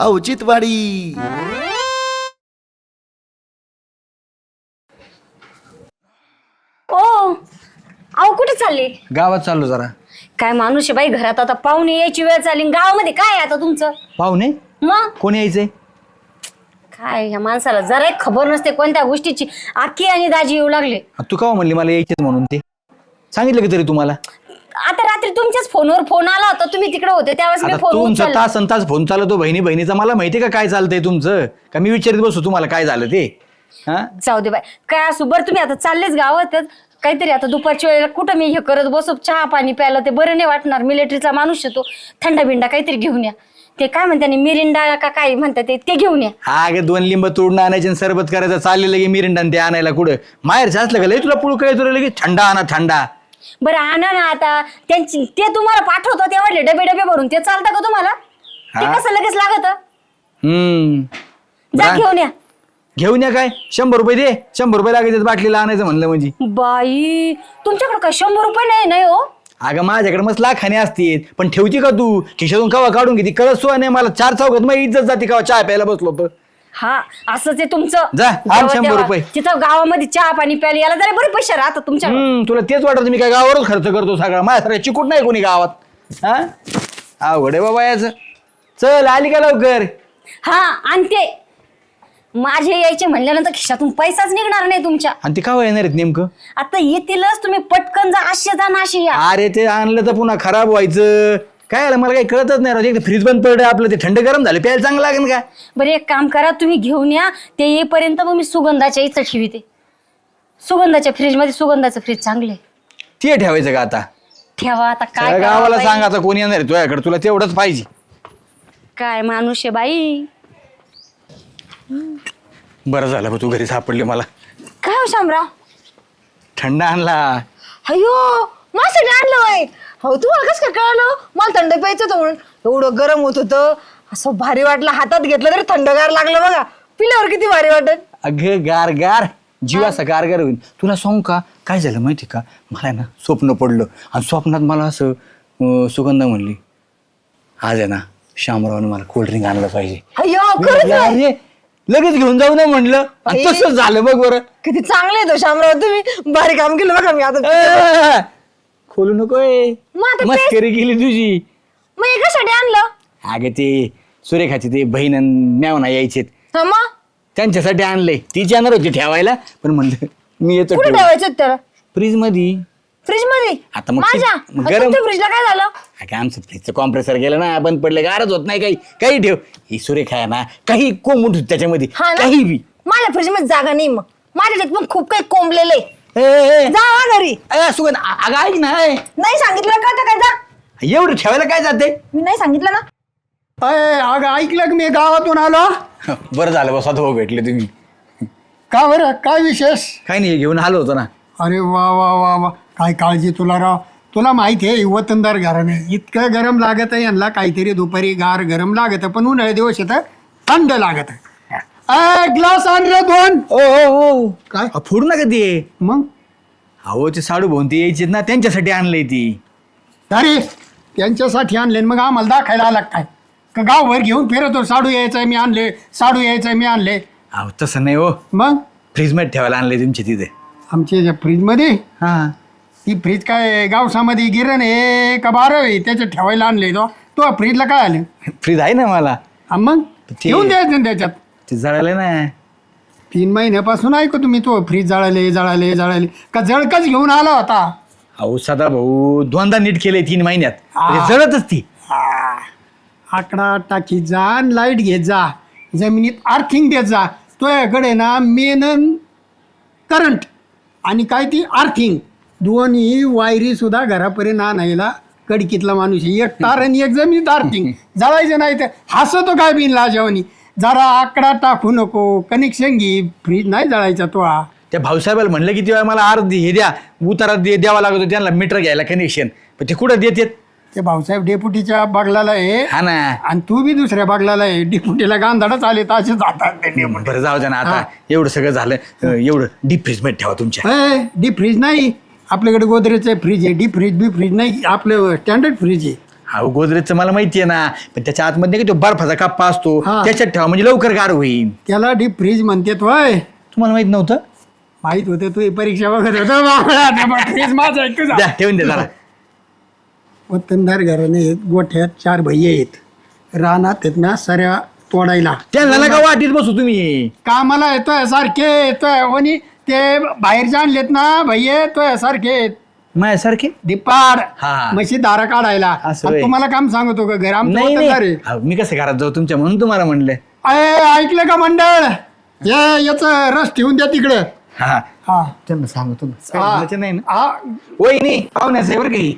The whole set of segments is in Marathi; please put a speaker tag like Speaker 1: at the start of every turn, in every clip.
Speaker 1: औचित्यवाडी.
Speaker 2: ओ अहो कुठे चालले?
Speaker 3: गावात चाललो जरा.
Speaker 2: काय माणूस आहे बाई, घरात आता पाहुणे यायची वेळ चालली, गावामध्ये काय आहे आता तुमचं?
Speaker 3: पाहुणे
Speaker 2: मग
Speaker 3: कोण यायचंय?
Speaker 2: काय ह्या माणसाला जरा एक खबर नसते कोणत्या गोष्टीची. आकी आणि दाजी येऊ लागले.
Speaker 3: तू का म्हणली मला यायचेच म्हणून? ते सांगितलं की तरी तुम्हाला?
Speaker 2: आता रात्री तुमच्याच फोनवर फोन आला होता, तुम्ही तिकडे होते त्यावेळेस मी
Speaker 3: आता
Speaker 2: फोन
Speaker 3: तुमचा
Speaker 2: उचलला.
Speaker 3: तास तास फोन चालतो बहिणीचा. मला माहितीये का काय चालतंय तुमचं? का मी विचारित बसू तुम्हाला काय झालं ते? हा
Speaker 2: जाऊ दे बाई, काय असू. बरं तुम्ही आता चाललेच गावातच, काहीतरी आता दुपारच्या वेळेला कुठं मी हे करत बसू, चहा पाणी प्यायला ते बरं नाही वाटणार. मिलिटरीचा माणूस येतो, थंडा बिंडा काहीतरी घेऊन या. ते काय म्हणतात मिरिंडा का काय म्हणतात ते घेऊन या.
Speaker 3: हा गे 2 लिंब तोडून आणायचे आणि सरबत करायचं चाललेलं की मिरिंडा ते आणायला कुठं माहेरचं असलं का लय तुला पुळू काय तुला लगेच थंडा आणा थंडा.
Speaker 2: बरं आणा ना आता. त्यांची ते तुम्हाला पाठवतो ते वाटले डबे डबे भरून, ते चालतं का तुम्हाला? ते
Speaker 3: हा.
Speaker 2: कसं लगेच लागत? जा
Speaker 3: बरं.
Speaker 2: घेऊन या.
Speaker 3: घेऊन या काय? 100 रुपये दे. 100 रुपये लागायचे बाटलीला आणायचं म्हणलं म्हणजे.
Speaker 2: बाई तुमच्याकडे काय 100 रुपये नाही? नाही हो.
Speaker 3: अगं माझ्याकडे मस्त लाखाने असतील, पण ठेवती का तू खिशातून कवा काढून घेते कळत सो नाही मला. 4 चौकात मग इज्जत जाते कवा चहा प्यायला बसलो तर.
Speaker 2: हा असंच आहे तुमचं.
Speaker 3: जा, आण
Speaker 2: जेव्हा
Speaker 3: 100
Speaker 2: तेव्हा
Speaker 3: रुपये.
Speaker 2: तिथं गावामध्ये चहा पाणी प्यायला याला जरा बरे पैसे राहतात तुमच्या.
Speaker 3: तुला तेच वाटत मी काय गावावरच खर्च करतो सगळा? माझ्यासारखा चिकूट नाही कोणी गावात. हा अवघड आहे बाबा याच. चल आली का लवकर?
Speaker 2: हा आणते. माझे यायचे म्हणल्यानंतर खिशातून पैसाच निघणार नाही तुमच्या.
Speaker 3: आणि ते का येणार आहेत नेमकं?
Speaker 2: आता येतीलच, तुम्ही पटकन जा. असे जा ना असे या.
Speaker 3: अरे ते आणलं तर पुन्हा खराब व्हायचं. काय आलं मला काही कळतच नाही राहत. एक फ्रीज बंद पडलं आपलं, ते थंड गरम झालं प्यायला चांगलं लागेल का?
Speaker 2: बरं एक काम करा, तुम्ही घेऊन या. ते येईपर्यंत मग मी सुगंधाच्या इथं ठेवीते. सुगंधाच्या फ्रीजमध्ये सुगंधाचं फ्रीज चांगले.
Speaker 3: ते ठेवायचं का आता?
Speaker 2: ठेवा आता. काय
Speaker 3: सगळ्या
Speaker 2: करावं
Speaker 3: गावाला
Speaker 2: बाई?
Speaker 3: सांग आता कोणी येणार आहे तुझ्याकडे, तुला तेवढंच पाहिजे.
Speaker 2: काय माणूस आहे बाई.
Speaker 3: बरं झालं बा तू घरी सापडले मला.
Speaker 2: काय हो शामराव?
Speaker 3: थंड आणला.
Speaker 4: अयो माझ्यासाठी आणलं वय. हो तुम्हाला कसं काय कळलं? मला थंड प्यायचं होतं म्हणून. एवढं गरम होत होतं, असं भारी वाटलं. हातात घेतलं तरी थंडगार लागलं बघा. पिल्यावर किती भारी वाटत.
Speaker 3: अगं गार गार जीव असा गार होईल. तुला सांगू का काय झालं माहिती का? मला ना स्वप्न पडलं आणि स्वप्नात मला असं सुगंधा म्हणली, आज आहे ना शामरावने मला कोल्ड्रिंक आणलं पाहिजे.
Speaker 4: अयो
Speaker 3: मी
Speaker 4: खरंच
Speaker 3: म्हटलं,
Speaker 4: आहे.
Speaker 3: अरे लगेच घेऊन जाऊ ना म्हणलं. आणि
Speaker 4: बाई.
Speaker 3: तसंच झालं बघ बरं.
Speaker 4: किती चांगले आहे तो शामराव. तुम्ही भारी काम केलं बघा. मी आता
Speaker 3: खोलू नकोय.
Speaker 4: मग आता
Speaker 3: मस्करी केली तुझी.
Speaker 4: मग हे कशासाठी आणलं?
Speaker 3: अगं ते सुरेखाचे ते बहीण आणि मेवना यायचे,
Speaker 4: हा मग
Speaker 3: त्यांच्यासाठी आणलंय. तीच येणार होती ठेवायला, पण म्हणलं मी येतो
Speaker 4: कुठे ठेवायचं त्याला?
Speaker 3: फ्रीज मध्ये.
Speaker 4: फ्रीज मध्ये?
Speaker 3: आता मग
Speaker 4: माझ्या
Speaker 3: गरम.
Speaker 4: फ्रीजला काय झालं?
Speaker 3: अगं आमचं फ्रीजचं कॉम्प्रेसर गेलं ना, बंद पडलं, गारच होत नाही. काही ठेव. ही सुरेखा आहे ना, काही कोंबूट त्याच्यामध्ये
Speaker 4: हा ना?
Speaker 3: काही बी.
Speaker 4: माझ्या फ्रीज मध्ये जागा नाही. मग माझ्याच्यात पण खूप काही कोंबलेले.
Speaker 3: ए, ए,
Speaker 4: जा हा घरी.
Speaker 3: सुगंध अगं ऐक ना.
Speaker 4: नाही सांगितलं का? तर काय जा.
Speaker 3: एवढं ठेवायला काय जाते?
Speaker 4: मी नाही सांगितलं ना.
Speaker 5: अगं ऐकलं की मी गावातून आलो.
Speaker 3: बरं झालं बस आता भेटले तुम्ही.
Speaker 5: का बरं, काय विशेष?
Speaker 3: काही नाही, घेऊन आलो होतो ना.
Speaker 5: अरे वा वा वा वा, काय काळजी तुला राव. तुला माहिती आहे वतनदार घराणे इतकं गरम लागत आहे यांना. काहीतरी दुपारी गार गरम लागत, पण उन्हाळ्या दिवस येतं थंड लागत. ग्लास आण रे 2.
Speaker 3: ओ
Speaker 5: काय?
Speaker 3: फोडू नका ते.
Speaker 5: मग
Speaker 3: अहो ते साडू भाऊन ते यायचे ना, त्यांच्यासाठी आणलंय ती.
Speaker 5: अरे त्यांच्यासाठी आणले, मग आम्हाला दाखायला आला काय? का गावभर घेऊन फिरतो, साडू यायचंय मी आणले, साडू यायचंय मी आणले.
Speaker 3: अहो तसं नाही हो,
Speaker 5: मग
Speaker 3: फ्रीज मध्ये ठेवायला आणलंय तुमच्या तिथे.
Speaker 5: आमच्या फ्रीजमध्ये?
Speaker 3: हा
Speaker 5: ती फ्रीज काय गावसामध्ये गिरण आहे का बारं आहे त्याच्यात ठेवायला आणले? तो फ्रीजला काय आले?
Speaker 3: फ्रीज आहे ना मला.
Speaker 5: हा मग
Speaker 3: ते-
Speaker 5: ठेवून द्यायचं ना त्याच्यात.
Speaker 3: ते जळालं ना.
Speaker 5: 3 महिन्यापासून ऐकू तुम्ही तो फ्रीज जळाले का जळकच घेऊन आला होता?
Speaker 3: अहो सदा भाऊ 2दा नीट केलंय 3 महिन्यात. म्हणजे जळतच ती.
Speaker 5: आकडा टाकी जा, लाईट घेत जा, जमिनीत आर्थिंग देत जा. तुझ्याकडे ना मेन करंट आणि काय ती आर्थिंग दोन्ही वायरी सुद्धा घरापर्यंत आणायला कडकीतला माणूस आहे. एक तार आणि एक जमिनीत आर्थिंग. जळायचं नाही तर हसतो काय बिन लाजवणी. जरा आकडा टाकू नको, कनेक्शन घे. फ्रीज नाही जळायचा तो.
Speaker 3: त्या भाऊसाहेबाला म्हणलं किती वेळा मला अर्धी हे द्या, उतारा द्यावा लागतो त्यांना मीटर घ्यायला कनेक्शन. पण ते कुठं देतात?
Speaker 5: ते भाऊसाहेब डेपुटीच्या बागलाला आहे
Speaker 3: हा ना.
Speaker 5: आणि तू बी दुसऱ्या बागलाला आहे. डेपुटीला गांधाडच आले तर असे जातात ते डेपुटी.
Speaker 3: बरं जाऊ द्या ना आता. एवढं सगळं झालं, एवढं डीप फ्रीज मध्ये ठेवा तुमच्या.
Speaker 5: डीप फ्रीज नाही आपल्याकडे, गोदरेजचं फ्रीज आहे. डीप फ्रीज बी फ्रीज नाही, आपलं स्टँडर्ड फ्रीज आहे.
Speaker 3: अहो गोदरेजचं मला माहितीये ना, पण त्याच्या आतमध्ये नाही का तो बर्फाचा कप्पा असतो,
Speaker 5: हा.
Speaker 3: त्याच्यात ठेवा म्हणजे लवकर गार होईल.
Speaker 5: त्याला डीप फ्रीज म्हणतात वय.
Speaker 3: तुम्हाला माहित नव्हतं?
Speaker 5: माहित होतं तू ही परीक्षा बघत होतो फ्रीज माझा आहे तुझा.
Speaker 3: द्या ठेवून द्या जरा.
Speaker 5: वतनदार घराने आहेत, गोठ्यात 4 भैये आहेत, रानात आहेत ना सऱ्या तोडायला.
Speaker 3: त्यांना नका वाटीत बसू तुम्ही.
Speaker 5: कामाला येतोय सारखे येतोय आणि ते बाहेरचे आणलेत ना भैये येतोय सारखे आहेत.
Speaker 3: माझ्यासारखे
Speaker 5: दिपाड
Speaker 3: हा.
Speaker 5: म्हशी दारा काढायला.
Speaker 3: असं
Speaker 5: आणि
Speaker 3: होय.
Speaker 5: तुम्हाला काम सांगतो का घर आमचं
Speaker 3: नाही
Speaker 5: वतनदार आहे.
Speaker 3: अहो, मी कसं घरात जाऊ तुमच्या म्हणून तुम्हाला म्हणलं.
Speaker 5: ऐकलं का मंडळ, याच रस ठेवून द्या तिकडे.
Speaker 3: हा
Speaker 5: हा
Speaker 3: त्यांना सांगतो ना. काय
Speaker 5: हा.
Speaker 3: म्हणायचं नाही ना.
Speaker 5: हा.
Speaker 3: वहिनी पाहुण्याचं आहे बरं काही.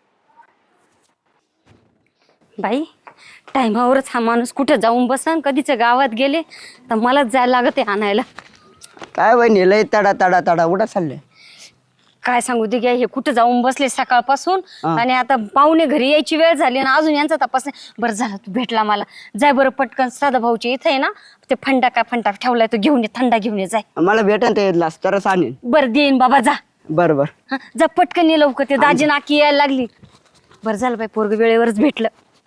Speaker 2: बाई टायमावरच हा माणूस कुठं जाऊन बसन, कधीच गावात गेले तर मलाच जायला लागत आहे आणायला.
Speaker 1: काय वहिनी लय तडा तडा तडा उडा चाललंय.
Speaker 2: काय सांगू दे हे कुठं जाऊन बसले सकाळपासून, आणि आता पाहुणे घरी यायची वेळ झाली ना अजून यांचा तपास नाही. बरं झालं तू भेटला मला. जाय बरं पटकन सदा भाऊच्या इथे आहे ना ते फंटा ठेवलाय तो घेऊन ये, थंडा घेऊन ये जाय.
Speaker 1: मला भेटन ते येतलास तरच आणीन.
Speaker 2: बरं देईन बाबा जा.
Speaker 1: बरोबर.
Speaker 2: हं, जा पटकन ये लवकर, ते दाजी नाकी यायला लागली. बरं झालं बाई पोरग वेळेवरच भेटलं.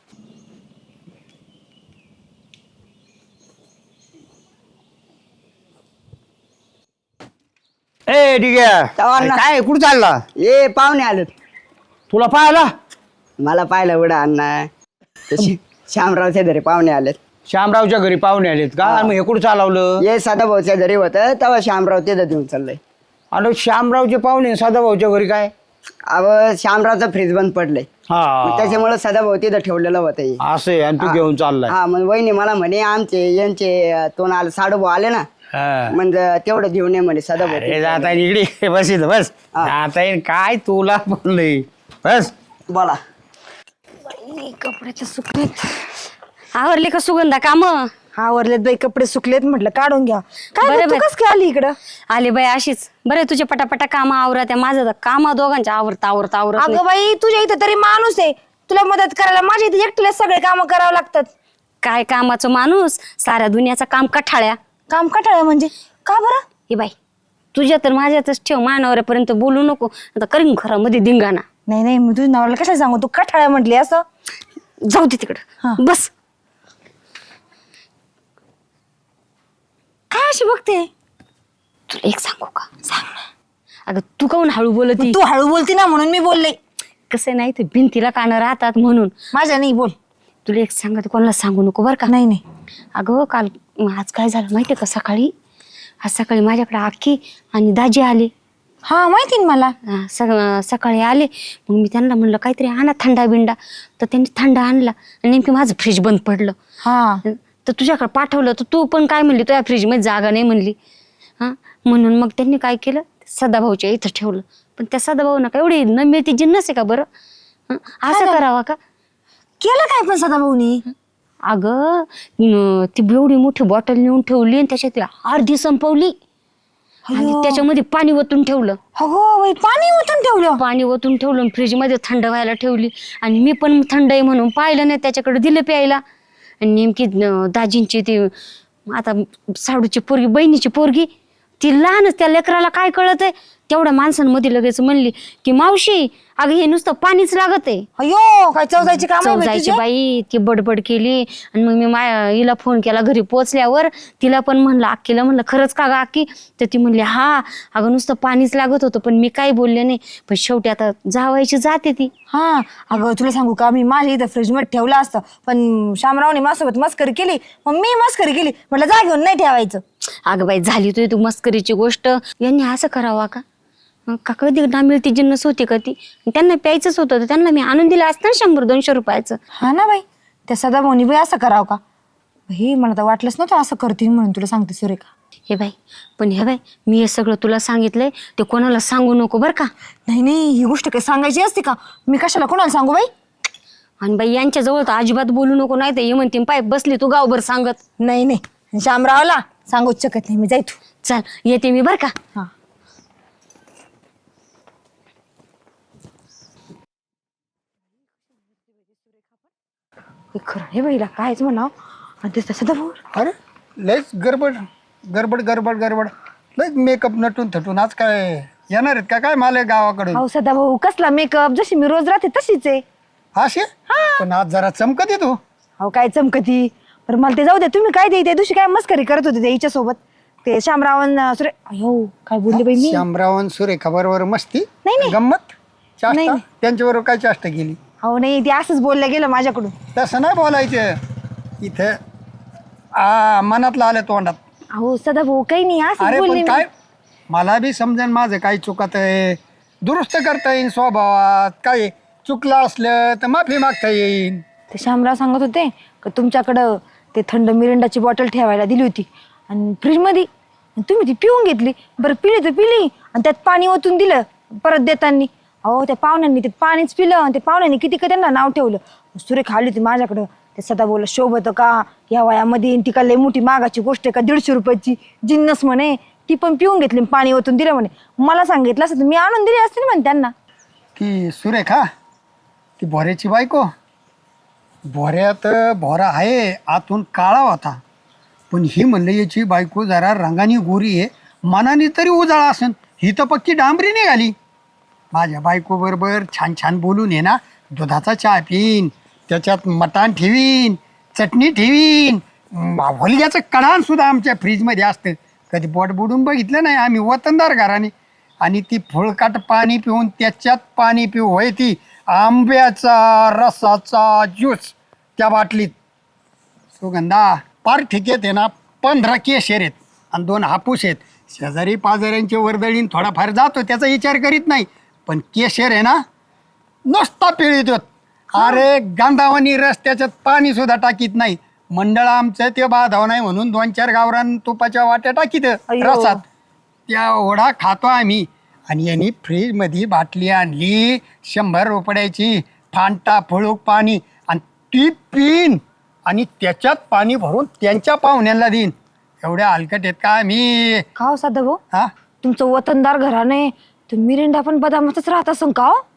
Speaker 6: ए ठीक आहे.
Speaker 1: तवाला.
Speaker 6: काय कुठं चालला?
Speaker 1: ये पाहुणे आलेत.
Speaker 6: तुला पाहायला
Speaker 1: मला पाहिलं उडा अण्णा. श्यामरावच्या घरी पाहुणे आलेत.
Speaker 6: श्यामरावच्या घरी पाहुणे आलेत का? आणि मग हे कुठं चालवलं?
Speaker 1: ये सदाभाऊच्या घरी होतं तेव्हा श्यामराव तिथं देऊन चाललंय.
Speaker 6: आणि श्यामरावचे पाहुणे सदाभाऊच्या घरी काय?
Speaker 1: अव श्यामरावचं फ्रीज बंद पडलंय,
Speaker 6: हा
Speaker 1: त्याच्यामुळे सदाभाऊ तिथं ठेवलेलं होतं हे.
Speaker 6: असे आणि तू घेऊन चाललाय.
Speaker 1: हा मग वहिनी मला म्हणे आमचे यांचे तोंड आले साडूभाऊ आले ना,
Speaker 6: हा.
Speaker 1: म्हणजे तेवढं घेऊन ये म्हणे सदाभाऊ.
Speaker 6: अरे जाता येईल इकडे बस इथं बस. जाता येईल काय तुला बोललंय बस.
Speaker 1: बोला.
Speaker 2: कपडे तर सुकलेत. आवरले का सुगंधा काम?
Speaker 4: आवरलेत बाई, कपडे सुकलेत, म्हटलं काढून घ्या. काय
Speaker 2: बरं
Speaker 4: गं, तू
Speaker 2: बाई.
Speaker 4: कस काय आली इकडं?
Speaker 2: आले बाई अशीच. बरं तुझे पटापटा काम आवरा, त्या माझं तर काम दोघांच्या आवरता आवरता आवरत नाही.
Speaker 4: अगं बाई, तुझ्या इथं तरी माणूस आहे तुला मदत करायला, माझ्या इथे एकटीला सगळे काम करावं लागतात.
Speaker 2: काय कामाचं माणूस, साऱ्या दुनियाचा काम कठाळ्या.
Speaker 4: काम कटाळा म्हणजे का बरं?
Speaker 2: हे बाई तुझ्या तर माझ्यातच ठेव, मानवऱ्यापर्यंत बोलू नको, आता करीन घरामध्ये धिंगाणा.
Speaker 4: नाही नाही, मी तुझ्या नवऱ्याला कशाला सांगू, तू कठाळ्या म्हटली असं.
Speaker 2: जाऊ दे तिकडं, बस.
Speaker 4: काय अशी बघते?
Speaker 2: तुला एक सांगू का? सांग ना. अगं तू काहून हळू बोलती?
Speaker 4: तू हळू बोलती ना म्हणून मी बोलले.
Speaker 2: कसं नाही ते भिंतीला कानं राहतात म्हणून.
Speaker 4: माझ्या नाही बोल.
Speaker 2: तुला एक सांगते, कोणाला सांगू नको बरं का?
Speaker 4: नाही नाही.
Speaker 2: अगं काल आज काय झालं माहितीये का? आज सकाळी माझ्याकडे आखी आणि दाजी आले.
Speaker 4: हा माहिती ना मला.
Speaker 2: सकाळी आले, मग मी त्यांना म्हणलं काहीतरी आणा थंडा बिंडा, तर त्यांनी थंडा आणला आणि नेमकी माझं फ्रीज बंद पडलं.
Speaker 4: हा
Speaker 2: तर तुझ्याकडे पाठवलं, तर तू पण काय म्हणली, तुझ्या फ्रीजमध्ये जागा नाही म्हणली. हां म्हणून मग त्यांनी काय केलं, सदाभाऊच्या इथं ठेवलं. पण त्या सदाभाऊना का एवढी न मिळती जिन्नस आहे का बरं? असं करावा का?
Speaker 4: केलं काय पण सदाभाऊनी?
Speaker 2: अगं ती एवढी मोठी बॉटल नेऊन ठेवली आणि त्याच्यात अर्धी संपवली आणि त्याच्यामध्ये पाणी ओतून ठेवलं.
Speaker 4: हो बाई, पाणी ओतून ठेवलं.
Speaker 2: पाणी ओतून ठेवलं, फ्रीजमध्ये थंड व्हायला ठेवली. आणि मी पण थंड आहे म्हणून पाहिलं नाही, त्याच्याकडे दिलं प्यायला. आणि नेमकी दाजींची ती आता साडूची पोरगी, बहिणीची पोरगी, ती लहानच, त्या लेकराला काय कळत आहे, तेवढ्या माणसांमध्ये लगेच म्हणली की मावशी अगं हे नुसतं पाणीच लागत आहे.
Speaker 4: अयो काय चौजायची काम आहे बाई
Speaker 2: जायची
Speaker 4: तुझी.
Speaker 2: बाई, ती बडबड केली. आणि मग मी हिला फोन केला घरी पोहोचल्यावर, तिला पण म्हणलं, अक्कीला म्हणलं खरंच का ग अक्की? तर ती म्हणली हा अगं नुसतं पाणीच लागत होतं, पण मी काही बोलले नाही. पण शेवटी आता जावायची जाते ती.
Speaker 4: हा अगं तुला सांगू का, मी माझ्या इथं फ्रीज मध्ये ठेवलं असतं, पण श्यामरावने माझ्यासोबत मस्करी केली, मग मी मस्करी केली, म्हटलं जा घेऊन नाही ठेवायचं.
Speaker 2: अगं बाई झाली तू मस्करीची गोष्ट. यांनी असं करावा का? का कधी ना मिळती जिन्नस होती का ती? त्यांना प्यायचंच होतं, तर त्यांना मी आणून दिलं असतं ना 100-200 रुपयाचं.
Speaker 4: हा ना बाई, त्या सदाभाऊनी बाई असं करावं का? हे मला तर वाटलंच नव्हतं असं करतील म्हणून, तुला सांगते सुरेखा.
Speaker 2: हे बाई पण हे बाई, मी हे सगळं तुला सांगितलंय, ते कोणाला सांगू नको बरं का?
Speaker 4: नाही नाही, ही गोष्ट काही सांगायची असते का? मी कशाला कोणाला सांगू बाई?
Speaker 2: आणि बाई यांच्या जवळ तर अजिबात बोलू नको, नाही तर ये म्हणते पाय बसली तू गावभर सांगत.
Speaker 4: नाही नाही, श्यामरावला सांगूच शकत नाही मी, जाय तू.
Speaker 2: चल येते मी बरं का?
Speaker 4: हा खरं हे बाईला कायच म्हणाव. आणि ते सदाभाऊ
Speaker 5: अरे लयच गडबड गडबड गडबड गडबड, लयच मेकअप नटून थटून. आज काय येणार आहेत का काय मला गावाकडे?
Speaker 4: अहो सदाभाऊ कसला मेकअप, जशी मी रोज राहते तशीच आहे.
Speaker 5: असे पण आज जरा चमकत येतो.
Speaker 4: अहो काय चमकती. बरं मला ते जाऊ दे, तुम्ही काय ते त्या दिवशी काय मस्करी करत होते हिच्या सोबत ते शामरावण सुरे. अयो काय बोलले बाई मी.
Speaker 5: श्यामरावण सुरेखा बरोबर मस्ती
Speaker 4: नाही, नाही.
Speaker 5: गंमत
Speaker 4: नाही,
Speaker 5: चाष्टा
Speaker 4: नाही.
Speaker 5: त्यांच्याबरोबर काय चाष्टा केली.
Speaker 4: अहो नाही ते असंच बोललं गेलं माझ्याकडून.
Speaker 5: तसं नाही बोलायचं इथं. मनातलं आलं तोंडात.
Speaker 4: अहो सदाभाऊ काही नाही असंच
Speaker 5: अरे
Speaker 4: बोलले
Speaker 5: पण
Speaker 4: मी.
Speaker 5: काय मला बी समजेन माझं काही चुकत आहे, दुरुस्त करता येईल स्वभावात. काय चुकलं असलं तर माफी मागता येईल.
Speaker 4: ते शामराव सांगत होते का तुमच्याकडं ते थंड मिरिंडाची बॉटल ठेवायला दिली होती आणि फ्रीजमध्ये तुम्ही ती पिऊन घेतली. बरं पिली तर पिली आणि त्यात पाणी ओतून दिलं परत देताना. अहो त्या पाहुण्यांनी ते पाणीच पिलं आणि ते पाहुण्यांनी किती का त्यांना नाव ठेवलं. सुरेख आली होती माझ्याकडं. ते सदा बोल शोभत का या वयामध्ये ती का लय मोठी मागाची गोष्ट आहे का 150 रुपयाची जिन्नस म्हणे. ती पण पिऊन घेतली पाणी ओतून दिलं म्हणे. मला सांगितलं असं तर मी आणून दिली असते ना म्हणे त्यांना.
Speaker 5: की सुरेखा ती भोऱ्याची बायको. भोऱ्यात भोरा आहे आतून काळा होता, पण ही म्हणलं याची बायको जरा रंगाने गोरी आहे, मनाने तरी उजाळा असेल. ही तर पक्की डांबरी निघाली. माझ्या बायको बरोबर छान छान बोलून ये ना, दुधाचा चहा पिईन, त्याच्यात मटाण ठेवीन, चटणी ठेवीन, होलग्याचं कडाण सुद्धा आमच्या फ्रीजमध्ये असतं. कधी पोट बुडून बघितलं नाही आम्ही, वतनदार घराने. आणि ती फुळकाट पाणी पिऊन त्याच्यात पाणी पिऊ होय ती आंब्याचा रसाचा ज्यूस त्या बाटलीत. सुगंधा पार ठिकेत आहे ना 15 केशर आहेत आणि 2 हापूस आहेत. शेजारी पाजाऱ्यांची वर्दळीन थोडाफार जातो त्याचा विचार करीत नाही, पण केशर आहे ना नुसता पिळीत होत. अरे गांधावानी रस त्याच्यात पाणी सुद्धा टाकीत नाही. मंडळ आमचं ते बाधाव नाही म्हणून 2-4 गावरान तुपाच्या वाट्या टाकीत रसात. त्या ओढा खातो आम्ही. आणि यांनी फ्रीजमध्ये बाटली आणली 100 रुपयाची फांटा फळूक पाणी आणि ती पिन आणि त्याच्यात पाणी भरून त्यांच्या पाहुण्यांना देईन. एवढ्या हलकट आहेत का मी.
Speaker 4: का हो सदाभाऊ
Speaker 5: हा
Speaker 4: तुमचं वतनदार घराने तर मिरिंडा पण बदामातच राहत असं का हो.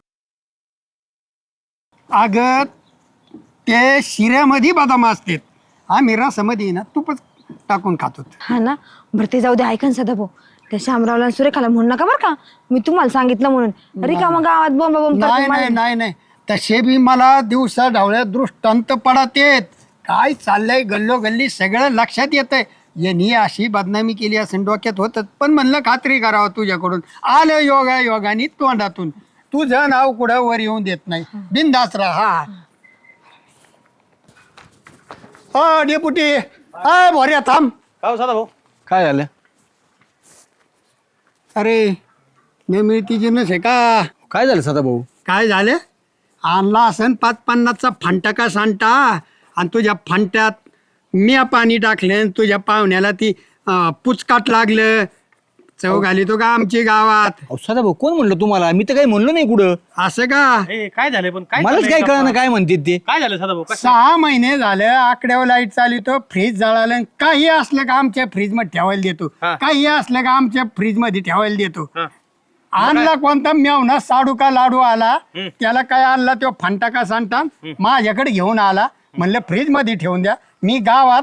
Speaker 5: अगं ते शिऱ्यामध्ये बदाम असतात, आम्ही रसामध्ये ना तूपच टाकून खातो.
Speaker 4: हा ना. बरं ते जाऊ दे. ऐकन सदाभाऊ त्या शामरावला आणि सुरेखाला म्हणू नका बरं का, मी तुम्हाला सांगितलं म्हणून. रिकामा गावात बोंब बोंब
Speaker 5: नाही नाही नाही नाही तसे बी मला दिवसा ढवळ्या दृष्टांत पडत येत. काय चाललंय गल्लोगल्ली सगळं लक्षात येतंय. यांनी अशी बदनामी केली असं डोक्यात होतं, पण म्हणलं खात्री करावं तुझ्याकडून. आलं योगाने तोंडातून. तुझं नाव कुठं वर येऊन देत नाही. बिनधास्त राहा. हा डेपुटी हा भोऱ्या थांब.
Speaker 3: काय झालं?
Speaker 5: अरे नेमिळती जिन्नस आहे का.
Speaker 3: काय झालं सदाभाऊ?
Speaker 5: काय झालं आणला असन 550चा फांटा का सांटा आणि तुझ्या फांट्यात मिया पाणी टाकलं, तुझ्या पाहुण्याला ती पुचकाट लागलं. चव घाली तो का आमची गावात.
Speaker 3: अहो सदाभाऊ कोण म्हणलं तुम्हाला? मी तर काही म्हणलो नाही कुठं.
Speaker 5: असं का.
Speaker 6: काय झालं पण काय
Speaker 3: मलाच काय कळलं काय म्हणते ते.
Speaker 6: काय झालं सदाभाऊ?
Speaker 5: 6 महिने झालं आकड्यावर लाईट चालवतो, फ्रीज जळालं. काही असलं का आमच्या फ्रीज मध्ये ठेवायला देतो, काही असलं का आमच्या फ्रीज मध्ये ठेवायला देतो. आणला कोणता मेवना साडू का लाडू आला, त्याला काय आणला तो फंटा का सांगता माझ्याकडे घेऊन आला. म्हणलं फ्रीज मध्ये ठेवून द्या. मी गावात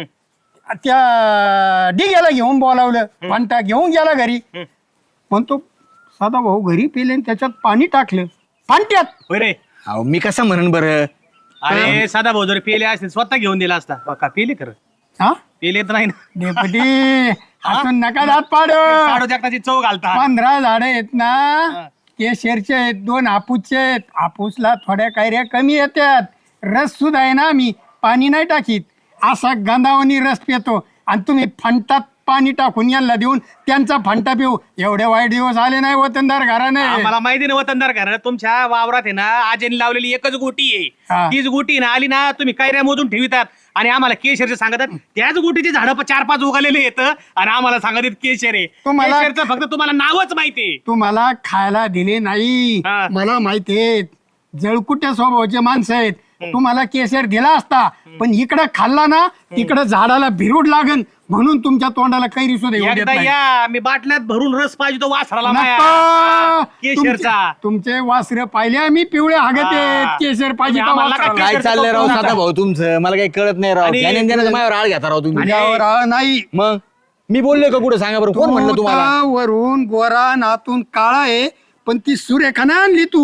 Speaker 5: त्या डिग्याला घेऊन बोलावलं, फंटा घेऊन गेला घरी. पण तो साधा भाऊ घरी पेले आणि त्याच्यात पाणी टाकलं फांट्यात.
Speaker 6: होय रे.
Speaker 3: अहो मी कसं म्हणन बरं.
Speaker 6: अरे सदाभाऊ जर पेले असतील स्वतः घेऊन दिला असता. का पेले खरं?
Speaker 5: हा
Speaker 6: पेले तर नाही ना.
Speaker 5: डेपुटी असून नका दात पाड.
Speaker 6: साडू जगताची चव घालता.
Speaker 5: 15 झाडं आहेत ना, केशरचे आहेत, 2 हापूसचे आहेत. हापूसला थोड्या कैऱ्या कमी येतात. रस सुद्धा आहे ना, आम्ही पाणी नाही टाकीत. असा गंधावणी रस पितो आणि तुम्ही फंटात पाणी टाकून यांना देऊन त्यांचा फंटा पिऊ. एवढे वाईट दिवस आले नाही वतनदार घराने.
Speaker 6: मला माहिती नाही वतनदार घरात तुमच्या वावरात आहे ना आजीने लावलेली एकच गोटी
Speaker 5: हा.
Speaker 6: आहे. तीच गोटी ना आली ना तुम्ही कैऱ्या मोजून ठेवितात आणि आम्हाला केशरचे सांगतात. त्याच गोटीचे झाडं 4-5 उगालेले येतं आणि आम्हाला सांगतात केशर आहे. केशरचं फक्त तुम्हाला नावच माहितीये.
Speaker 5: तुम्हाला खायला दिले नाही.
Speaker 6: हा.
Speaker 5: मला माहितीये जळकुट्या स्वभावाचे माणसं आहेत. तुम्हाला केसर दिला असता, पण इकडं खाल्ला ना तिकडं झाडाला भिरूड लागन म्हणून तुमच्या तोंडाला कैरी सुद्धा येऊ देत
Speaker 6: एकदा
Speaker 5: नाही.
Speaker 6: या मी बाटल्यात भरून रस पाहिजे तो वासराला माया.
Speaker 5: नको.
Speaker 6: केशरचा.
Speaker 5: तुमचे वासरे पाहिले आम्ही पिवळे हागत आहेत. केसर पाहिजे का
Speaker 6: आम्हाला
Speaker 5: वासराला?
Speaker 6: काय
Speaker 3: काय चाललंय राव सदाभाऊ तुमचं? मला काही कळत नाही राव.
Speaker 6: आणि-
Speaker 3: ज्ञानेंद्राचं माझ्यावर आळ घेता राव तुम्ही.
Speaker 5: तुझ्यावर आळ नाही.
Speaker 3: मग मी बोललोय का कुठं सांगा बरं? कोण म्हणलं तुम्हाला?
Speaker 5: वरून गोरा नातून काळा आहे, पण ती सुरेखा नाही आणली तू.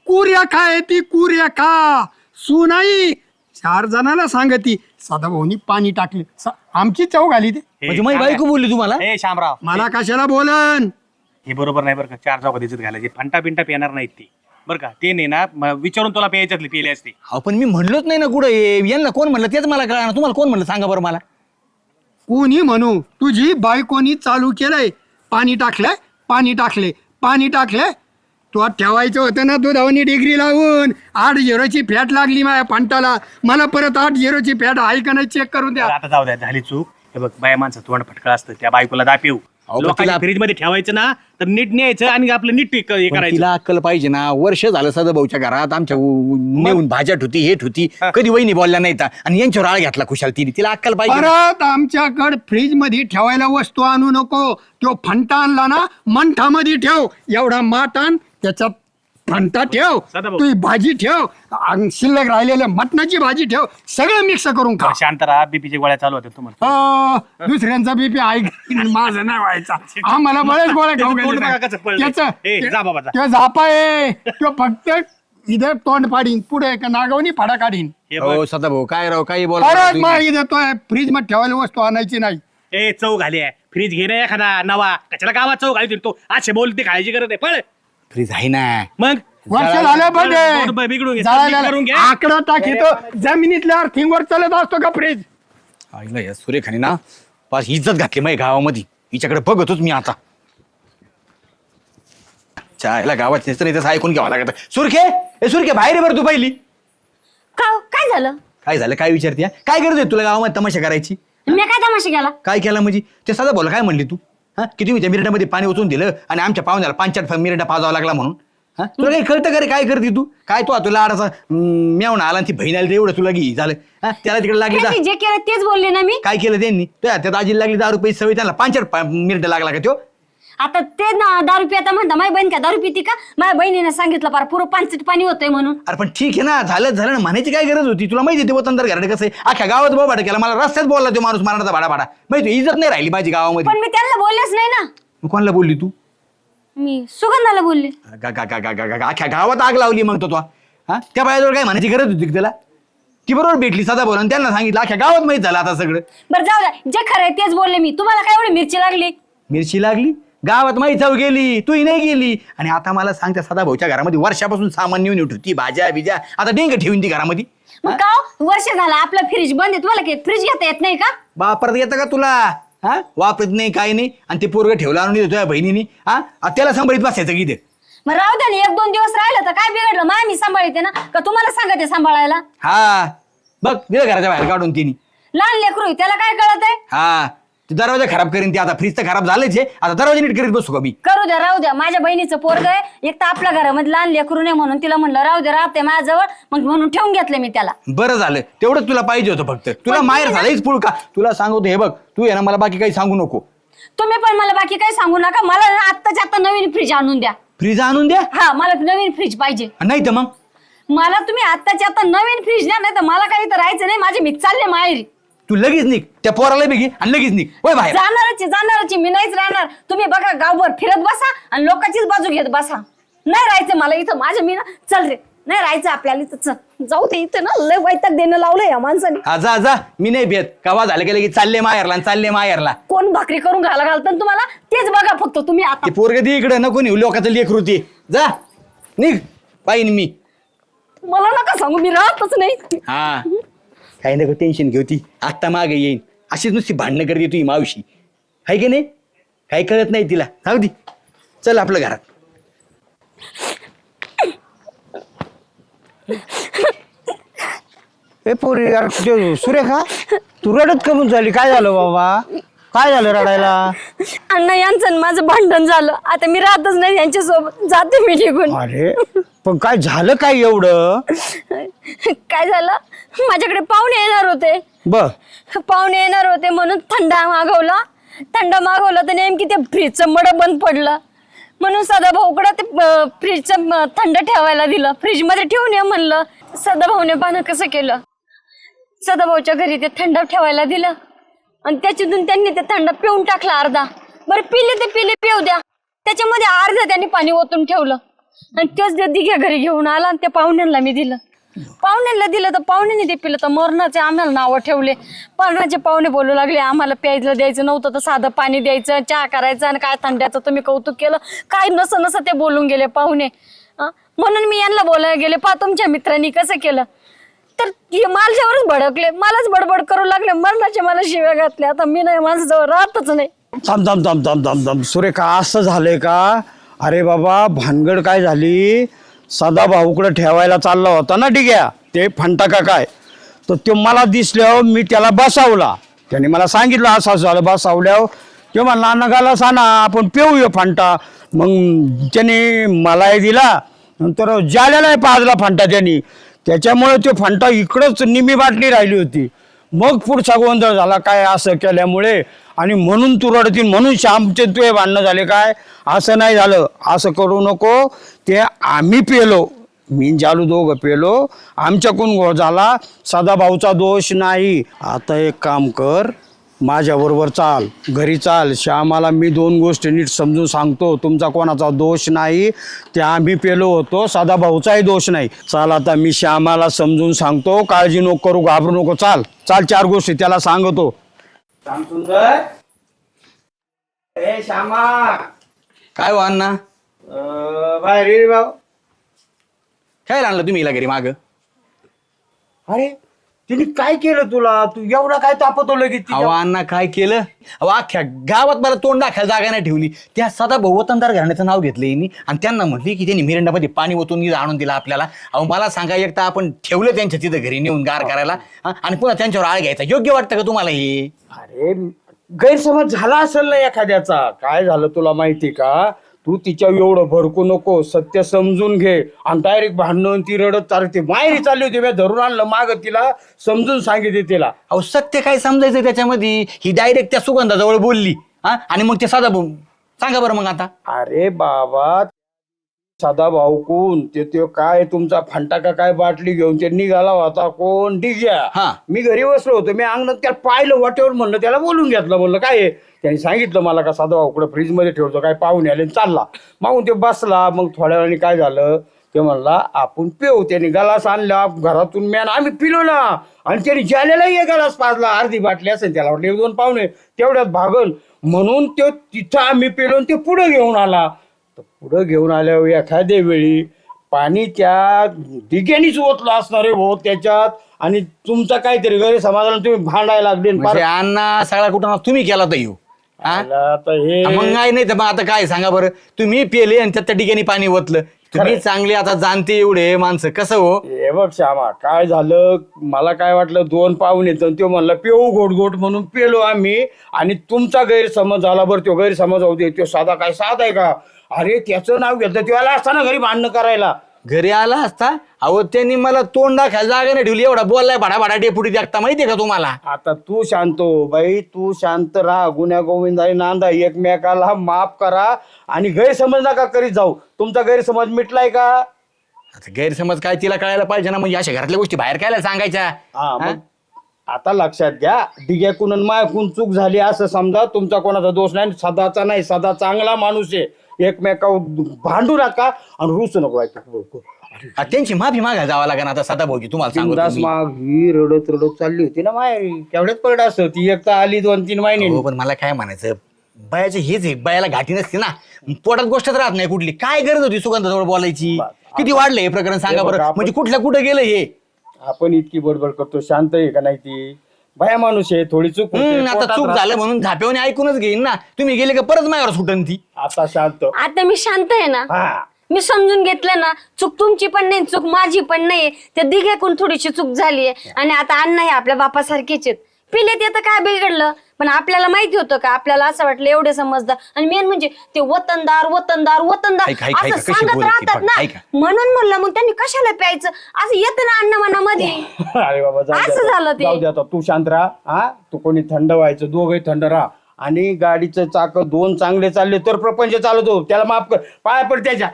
Speaker 5: कुरेखा आहे ती कुरेखा. सुनाई 4 जणांना सांगती सदाभाऊनी पाणी टाकले. आमची चव घाली ते.
Speaker 3: म्हणजे माझी बायको बोलली तुम्हाला?
Speaker 6: ए शामराव,
Speaker 5: मला कशाला बोलन.
Speaker 6: हे बरोबर नाही बरं का. 4 चौका दिसत घालायचे, फंटा पिंटा पिणार नाहीत ती बरं का. ते नाही ना विचारून तुला प्यायच्यातली पिली असते.
Speaker 3: अहो पण मी म्हणलोच नाही ना कुठं यांना कोण म्हणलं तेच मला कळणार. तुम्हाला कोण म्हणलं सांगा बरं मला.
Speaker 5: कोणी म्हणू तुझी बायकोनी चालू केलंय. पाणी टाकलंय, पाणी टाकले, पाणी टाकले. तो ठेवायचं होतं ना दुधावनी डिग्री लावून. 8-0ची फॅट लागली माझ्या पंटाला. मला परत 8-0ची फॅट आहे का नाही चेक करून द्या.
Speaker 6: आता जाऊ द्या, झाली चूक. हे बघ बाया माणसं तोंड फटकळ असतं, त्या बायकोला दापिव.
Speaker 3: पण
Speaker 6: लोकांच्या फ्रीज मध्ये ठेवायचं ना तर नीट न्यायचं आणि आपलं नीट हे
Speaker 3: पण
Speaker 6: करायचं.
Speaker 3: तिला अक्कल पाहिजे ना. वर्ष झालं सदाभाऊच्या घरात आमच्या नेऊन भाज्या ठुती हे ठुती कधी वहिनी बोलल्या नाही तर. आणि यांच्यावर आळ घातला खुशाल तिने. तिला अक्कल पाहिजे.
Speaker 5: परत आमच्याकडे फ्रीज मध्ये ठेवायला वस्तू आणू नको. तो फंटा आणला ना मंठामध्ये ठेव. एवढा माठ आण, त्याच्यात फंटा ठेव,
Speaker 6: सदाभाऊ.
Speaker 5: तू भाजी ठेव, आणि शिल्लक राहिलेल्या मटणाची भाजी ठेव. सगळं मिक्स करून खा.
Speaker 6: शांत राहा, बीपीच्या गोळ्या चालू होत्या तुम्हाला.
Speaker 5: दुसऱ्यांचा बीपी ऐक माझं नाही व्हायचा. आम्हाला बळेच गोळ्या खाऊ
Speaker 6: तोंड बघा कसं पळलंय. ए, जा बाबा, जा.
Speaker 5: तो झापा आहे तो फक्त इथं तोंड पाडीन, पुढे का नागवणी फाडा काढीन.
Speaker 6: हे बघ.
Speaker 3: हो सदाभाऊ काय राव काही
Speaker 5: परत
Speaker 3: बोला.
Speaker 5: मग इथं तो फ्रीज मध्ये ठेवायला वस्तू आणायची नाही.
Speaker 6: ए चव घाली आहे, फ्रीज घे ना एखादा नवा. कशाला गावात चव घाली तो असे बोलते, खायची गरज आहे. पळ
Speaker 3: फ्रीज आहे ना.
Speaker 6: मग
Speaker 5: वर्ष झालं
Speaker 6: बिघडून घे,
Speaker 5: पाहिजे
Speaker 6: करून घे.
Speaker 5: आकडा टाकीतो जमिनीतल्या अर्थिंगवर चालत असतो का फ्रीज.
Speaker 3: आईला या सुरेखाने ना पाच इज्जत घातली माझ्या गावामध्ये. हिच्याकडे बघतोच मी आता. चायला गावात नेसतं नाही तसं ऐकून घ्यावं लागत. सुरखे बाहेर बरं तू पहिली.
Speaker 2: काय झालं?
Speaker 3: काय झालं काय विचारते? काय गरज आहे तुला गावामध्ये तमाशा करायची?
Speaker 2: मी काय तमाशा केला?
Speaker 3: काय केला म्हणजे ते साधा बोला काय म्हणली तू? हा की तुम्ही त्या मिरडामध्ये पाणी ओतून दिलं आणि आमच्या पाहुण्याला 5 मिरडा पाजावा लागला म्हणून. हा तुला काही कळतं का रे काय करते तू? काय तो तुला आडाचा मेवणा आला ती बहीण आली एवढं तुला घे झालं. हा त्याला तिकडे लागली जा.
Speaker 2: त्यांनी जे केलं तेच बोलले ना मी.
Speaker 3: काय केलं त्यांनी? त्या आजीला लागली 10 रुपये सवय, त्यांना 5 मिरडा लागला का तो?
Speaker 2: आता ते ना दारू पिता म्हणता माझी बहीण काय दारू पिती का? माझ्या बहिणीने सांगितलं पार पुरं 5 पाणी होतंय म्हणून.
Speaker 3: अरे पण ठीक आहे ना, झालं ना, म्हणायची काय गरज होती? तुला माहिती ते वतनदार घराडे कसं आहे, अख्ख्या गावात बोबाटा केला. मला रस्त्यात बोलला तो माणूस मारण्याचा भाडा माहिती, इज्जत नाही राहिली माझी गावामध्ये.
Speaker 2: पण मी त्यांना बोललेच नाही ना.
Speaker 3: मग कोणाला बोलली तू?
Speaker 2: मी सुगंधाला बोलले.
Speaker 3: अख्ख्या गावात आग लावली मग तो. हा त्या बायाजवळ काय म्हणायची गरज होती त्याला? ती बरोबर भेटली साधा बोला त्यांना सांगितलं. अख्ख्या गावात माहित झालं आता सगळं.
Speaker 2: बरं जाऊ द्या, जे खरंय तेच बोलले मी. तुम्हाला काय एवढी मिरची लागली?
Speaker 3: मिरची लागली गावात माहीत जाऊ गेली, तूही नाही गेली. आणि आता मला सांग त्या सदा भाऊच्या घरामध्ये वर्षापासून सामान नेऊन ठेवती, भाज्या बिज्या, आता डेंग ठेवून ती घरामध्ये.
Speaker 2: मग का वर्ष झालं आपला फ्रीज बंद आहे, तुम्हाला फ्रीज घेता येत नाही का?
Speaker 3: वापरत येतं का तुला? हा वापरत नाही काही नाही. आणि ते पोरगं ठेवलं आणून तुझ्या बहिणीने. हा त्याला सांभाळीत बसायचं की ते.
Speaker 2: मग राहू द्या ना, 1-2 दिवस राहिलं तर काय बिघडलं? माय मी सांभाळते ना, का तुम्हाला सांगते सांभाळायला?
Speaker 3: हा बघ दिलं घराच्या बाहेर काढून तिने.
Speaker 2: लहान लेकरू आहे, त्याला काय कळत आहे?
Speaker 3: हा ते दरवाजा खराब करीन ती. आता फ्रीज तर खराब झालेच आहे, आता दरवाजा नीट करीत बसू का मी?
Speaker 2: करू द्या, राहू द्या. माझ्या बहिणीचं पोरग आहे, एक तर आपल्या घरामध्ये लहान लेकरू नाही म्हणून तिला म्हणलं राहू द्या, राहते माझ्याजवळ. मग म्हणून ठेवून घेतलं मी त्याला.
Speaker 3: बरं झालं तेवढंच तुला पाहिजे होतं फक्त. तुला माहेर झालंच पुळ का? तुला सांगतो हे बघ, तू आहे ना मला बाकी काही सांगू नको.
Speaker 2: तुम्ही पण मला बाकी काही सांगू नका. मला ना आत्ताच्या आता नवीन फ्रीज आणून द्या.
Speaker 3: फ्रीज आणून द्या?
Speaker 2: हा मला नवीन फ्रीज पाहिजे.
Speaker 3: नाही तर मग
Speaker 2: मला तुम्ही आत्ताच्या आता नवीन फ्रीज द्या, नाही तर मला काही तर राहायचं नाही. माझे मी चालले माहेरी.
Speaker 3: तू लगेच निघ, त्या पोराला बी घे आणि लगेच निघ. होय बाहेर
Speaker 2: जाणारच मी नाहीच राहणार. तुम्ही बघा गावभर फिरत बसा आणि लोकांचीच बाजू घेत बसा. नाही राहायचं मला इथं. माझं मी ना चल रे, नाही राहायचं आपल्याला इथं. चल जाऊ दे, इथं ना लय वैताग देणं लावलंय या माणसाने.
Speaker 3: हा जा मी नाही भेट. कवा झालं की लगेच चालले माहेरला.
Speaker 2: कोण भाकरी करून घालतं तुम्हाला तेच बघा फक्त तुम्ही. आता
Speaker 3: ते पोरग दे इकडे, नको नेऊ लोकांचं लेकरू ते. जा निघ पाहिजे मी.
Speaker 2: मला नका सांगू, मी राहतच नाही.
Speaker 3: हा काही नको टेन्शन घेऊ. ती आत्ता मागे येईन. अशीच नुसती भांडणं करते तुझी मावशी, हाय की नाही? काही कळत नाही तिला. जाऊ दे, चल आपलं घरात.
Speaker 7: ए पोरी यार, सुरेखा तू रडत कमून झाली? काय झालं बाबा? काय झालं रडायला?
Speaker 2: अण्णा यांचं आणि माझं भांडण झालं. आता मी राहतच नाही यांच्यासोबत, जाते मी निघून.
Speaker 7: अरे पण काय झालं काय एवढं?
Speaker 2: काय झालं, माझ्याकडे पाहुणे येणार होते. पाहुणे येणार होते म्हणून थंडा मागवला तर नेमकी ते फ्रीजचं मड बंद पडलं. म्हणून सदाभाऊकडे ते फ्रीजचं थंड ठेवायला दिलं. फ्रीजमध्ये ठेवून ये म्हणलं. सदाभाऊने पाहणं कसं केलं. सदाभाऊच्या घरी ते थंड ठेवायला दिलं आणि त्याच्यातून त्यांनी ते थंड पिऊन टाकला अर्धा. बरं पिले पिऊ द्या. त्याच्यामध्ये अर्धा त्यांनी पाणी ओतून ठेवलं. आणि तेच ते दिघ्या घरी घेऊन आला आणि त्या पाहुण्यांना मी दिलं. पाहुण्यांना दिलं तर पाहुण्यांनी ते पिलं तर मरणाचे आम्हाला नावं ठेवले. मरणाचे पाहुणे बोलू लागले आम्हाला प्यायला द्यायचं नव्हतं तर साधं पाणी द्यायचं, चहा करायचं आणि काय थंड्याचं तुम्ही कौतुक केलं. काय नसं ते बोलून गेले पाहुणे. म्हणून मी यांना बोलायला गेले पा तुमच्या मित्रांनी कसं केलं तर माझ्यावरच भडकले, मलाच बडबड करू लागले, मरणाचे मला शिव्या घातल्या. आता मी नाही माझ्याजवळ राहतच नाही.
Speaker 7: थांब थांब थांब थांब थांब थांब सुरेखा, असं झालंय का? अरे बाबा भानगड काय झाली, सदा भाऊकडे ठेवायला चालला होता ना डिग्या, ते फंटा का काय, तर तो मला दिसल्यावर मी त्याला बसावला. त्याने मला सांगितलं असं झालं. बसावल्यावर ते म्हणला नगाला सांगा आपण पिऊया फंटा. मग त्याने मलाही दिला, नंतर जाल्यालाही पाजला फंटा त्यांनी. त्याच्यामुळे ते फंटा इकडंच निमी बाटली राहिली होती. मग पुढचा गोंधळ झाला काय असं केल्यामुळे, आणि म्हणून तू रडतील म्हणून श्यामचे तुझे भांडणं झाले काय? असं नाही झालं, असं करू नको. ते आम्ही पेलो, मी जालू दोघं पेलो, आमच्याकडून गोळ झाला, सदाभाऊचा दोष नाही. आता एक काम कर, माझ्याबरोबर चाल, घरी चाल. श्यामाला मी 2 गोष्टी नीट समजून सांगतो. तुमचा कोणाचा दोष नाही, ते आम्ही पेलो होतो, सदाभाऊचाही दोष नाही. चाल आता मी श्यामाला समजून सांगतो, काळजी नको करू, घाबरू नको. चाल चाल, 4 गोष्टी त्याला सांगतो.
Speaker 3: ए श्यामा, काय हो अण्णा?
Speaker 7: बाहेर ये भाऊ.
Speaker 3: काय आणलं तुम्ही हिला घरी माग?
Speaker 7: अरे तिने काय केलं तुला? तू एवढा काय तापतो लगेच?
Speaker 3: अहो अण्णा काय केलं? अहो अख्ख्या गावात मला तोंड दाखायला जागा नाही ठेवली. त्या सदा वतनदार घराण्याचं नाव घेतलं यांनी आणि त्यांना म्हटली की त्यांनी मिरंडामध्ये पाणी ओतून आणून दिलं आपल्याला. अहो मला सांगा, एक तर आपण ठेवलं त्यांच्या तिथं घरी नेऊन गार करायला आणि पुन्हा त्यांच्यावर आळ घ्यायचा. योग्य वाटतं का तुम्हाला हे?
Speaker 7: अरे गैरसमज झाला असेल ना एखाद्याचा. काय झालं तुला माहिती का? तू तिच्या एवढं भडकू नको, सत्य समजून घे. आणि डायरेक्ट भांडण, ती रडत चालते, माहेरी चालली होती, मी धरून आणलं माग, तिला समजून सांगितले तिला.
Speaker 3: अहो सत्य काय समजायचं त्याच्यामध्ये? ही डायरेक्ट त्या सुगंधाजवळ बोलली आणि मग ते सदा सांगा बरं मग आता.
Speaker 7: अरे बाबा, सदा भाऊ कोण ते काय तुमचा फंटा का काय बाटली घेऊन ते निघाला होता. कोण? डिग्या. मी घरी बसलो होतो, मी अंगणात त्याला पाहिलं वाटेवर, म्हणलं त्याला बोलून घेतलं. म्हणलं काय आहे? त्यांनी सांगितलं मला का सदा भाऊकडे फ्रीजमध्ये ठेवतो, काय पाहुणे आले, चालला. मागून ते बसला. मग थोड्या वेळाने काय झालं, ते म्हणला आपण पिऊ. त्याने गलास आणला घरातून, मॅन आम्ही पिलो ना. आणि त्याने ज्यालेलाही एक गलास पाजला, अर्धी बाटली असेल, त्याला वाटलं 1-2 पाहुणे तेवढ्यात भागल म्हणून तो तिथं आम्ही पिलो. ते पुढे घेऊन आला. तर पुढं घेऊन आल्यावर एखाद्या वेळी पाणी त्या दिग्यानीच ओतलं असणार आहे भाऊ त्याच्यात. आणि तुमचा काहीतरी गैरसमाधान तुम्ही भांडायला लागले.
Speaker 3: अण्णा सगळा कुठं तुम्ही केला तर येऊ
Speaker 7: आता हे
Speaker 3: मग नाही तर मग आता काय सांगा बरं? तुम्ही पेले आणि त्यात त्या ठिकाणी पाणी ओतलं. तुम्ही चांगले आता जाणते एवढे माणसं, कसं हो?
Speaker 7: हे बघ श्यामा, काय झालं, मला काय वाटलं 2 पाहुणे तर तो म्हणला पिऊ गोट म्हणून पेलो आम्ही. आणि तुमचा गैरसमज झाला. बरं तो गैरसमज होते, तो साधा काय साधा आहे का? अरे त्याचं नाव घेतलं, त्याला असताना घरी भांडणं करायला.
Speaker 3: घरी आला असता? अहो त्यांनी मला तोंड दाखायला जागा नाही ठेवली. एवढा बोललाय भाडा डेपुटी देखता, माहितीये का तुम्हाला?
Speaker 7: आता तू शांत हो बाई, तू शांत राहा. गुन्ह्या गोविंदाने नांदा, एकमेकाला माफ करा आणि गैरसमज नका करीत जाऊ. तुमचा गैरसमज मिटलाय का?
Speaker 3: आता गैरसमज काय तिला कळायला पाहिजे ना. म्हणजे अशा घरातल्या गोष्टी बाहेर कायला सांगायच्या?
Speaker 7: मग आता लक्षात घ्या, डिग्याकून आणि मायाकून चूक झाली असं समजा. तुमचा कोणाचा दोष नाही, सदाचा नाही. सदा चांगला माणूस आहे. एकमेकावर भांडू नका आणि रुसू नको.
Speaker 3: त्यांची माफी मागायला जावं लागेल आता सदा भाऊजी. तुम्हाला सांगू
Speaker 7: माग ही रडत चालली होती ना माहेरी, तेवढ्याच पडत असं. ती एक तर आली 2-3 महिने.
Speaker 3: हो, पण मला काय म्हणायचं, बायाचे हेच आहे, बायाला घाटी नसते ना, पोटात गोष्टच राहत नाही कुठली. काय गरज होती सुगंधाजवळ बोलायची? किती वाढलं हे प्रकरण सांगा बरं? म्हणजे कुठं गेलं हे?
Speaker 7: आपण इतकी बडबड करतो, शांत आहे का नाही? ती बाया माणूस आहे, थोडी चूक
Speaker 3: आता चूक झालं म्हणून झाप्याने ऐकूनच घेईन ना. तुम्ही गेले का परत माझ्यावर सुटन ती?
Speaker 7: आता शांत.
Speaker 2: आता मी शांत आहे ना. मी समजून घेतलं ना, चूक तुमची पण नाही, चूक माझी पण नाही. त्या दिघ्याकडून थोडीशी चूक झालीये. आणि आता अण्णा हे आपल्या बापासारखेच आहेत. पिले ते तर काय बिघडलं, पण आपल्याला माहिती होतं का? आपल्याला असं वाटलं एवढे समजदार. आणि मेन म्हणजे ते वतनदार असं सांगत राहतात ना. म्हणून म्हणलं मग त्यांनी कशाला प्यायचं असं येतं ना अण्णा मनामध्ये.
Speaker 7: अरे बाबा
Speaker 2: असं झालं ते.
Speaker 7: जाऊ दे आता, तू शांत राहा. तू कोणी थंड व्हायचं, दोघही थंड राहा. आणि गाडीचं चाक 2 चांगले चालले तर प्रपंच चालतो. त्याला माफ कर, पाया पड त्याच्या.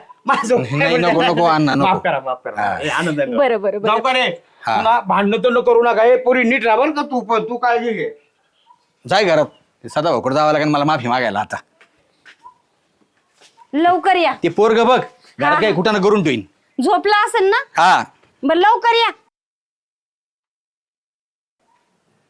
Speaker 3: नको अण्णा, नको.
Speaker 7: माफ करा. आनंद.
Speaker 2: बरं
Speaker 7: जाऊ का रे? पुन्हा भांडणं तर न करू नका. हे पुरी नीट राहा का? तू काळजी घे.
Speaker 3: जाय घरात. सदा भाऊकडे जावं लागेल मला माफी मागायला आता.
Speaker 2: लवकर या.
Speaker 3: ते पोरग बघ घरात काही कुठं करून ठेवीन.
Speaker 2: झोपला असेल ना?
Speaker 3: हा
Speaker 2: बरं लवकर या.